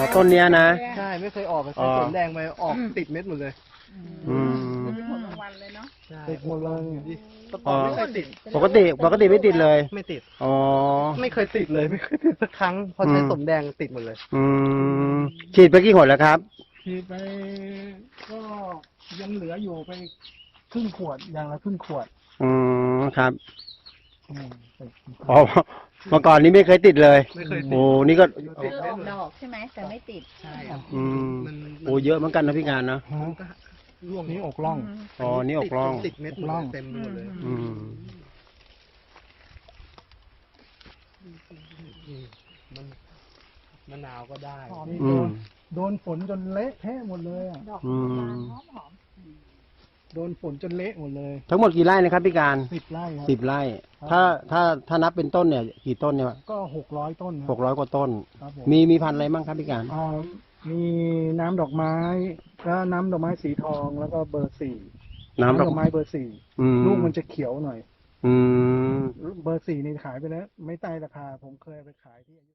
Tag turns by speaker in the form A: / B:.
A: ต้นเนี้ยนะ
B: ใช่ไม่เคยออกใช้สวนแดงไปออกติดเม็ดหมดเลย
A: อืม
C: เป็นผลรางวัลเลยเนาะ
B: ใช่
D: ติดหมดเลย
B: แต่ก่อนไม่เคยติด
A: ปกติไม่ติดเลย
B: ไม่ติด
A: อ๋อ
B: ไม่เคยติดเลยไม่เคยติดสักครั้งพอใช้สวนแดงติดหมดเลย
A: อืมฉีดไปกี่หนแล้วครับ
D: ฉีดไปก็ยังเหลืออยู่ไปครึ่งขวดอย่างละครึ่งขวด
A: อืมครับ
D: อืม
A: อ๋อเมื่อก่อนนี้ไม่เคยติดเลย
B: ไม่เคยติด
A: โอ้นี่ก็
C: คือออกดอกใช่ไหมแต่ไม่ติด
B: ใช่ครับ
A: อืม
B: มัน
A: โอ้เยอะเหมือนกันนะพี่การนะ
B: มันก็ร่วง
D: นี่อกล่อง
A: อ๋อนี่ออกร่อง
B: ติดเม็ดหมดเลยเต็มไปหมดเลย
A: อืม
B: มันมะนาวก็ได้
D: นี่
A: อืม
D: โดนฝนจนเละเทะหมดเลยอ่ะ
C: ดอก
A: อืม
C: บานหอม
D: โดนฝนจนเละหมดเลย
A: ทั้งหมดกี่ไร่นะครับพี่การ
D: 10 ไร่ครับ
A: 10 ไร่
D: ครับ
A: ถ้านับเป็นต้นเนี่ย กี่ต้นเนี่ย
D: ก็600 ต้นค
A: 600 กว่าต้น
D: ครับผม
A: มีพันธุ์อะไรบ้างครับพี่การ
D: มีน้ำดอกไม้ก็น้ำดอกไม้สีทองแล้วก็เบอร์สี่
A: น้ำดอก
D: ไม้เบอร์สี่
A: อืม
D: ลูกมันจะเขียวหน่อย
A: อืม
D: เบอร์สี่นี่ขายไปแล้ว ไม่ใต้ราคาผมเคยเอาไปขายที่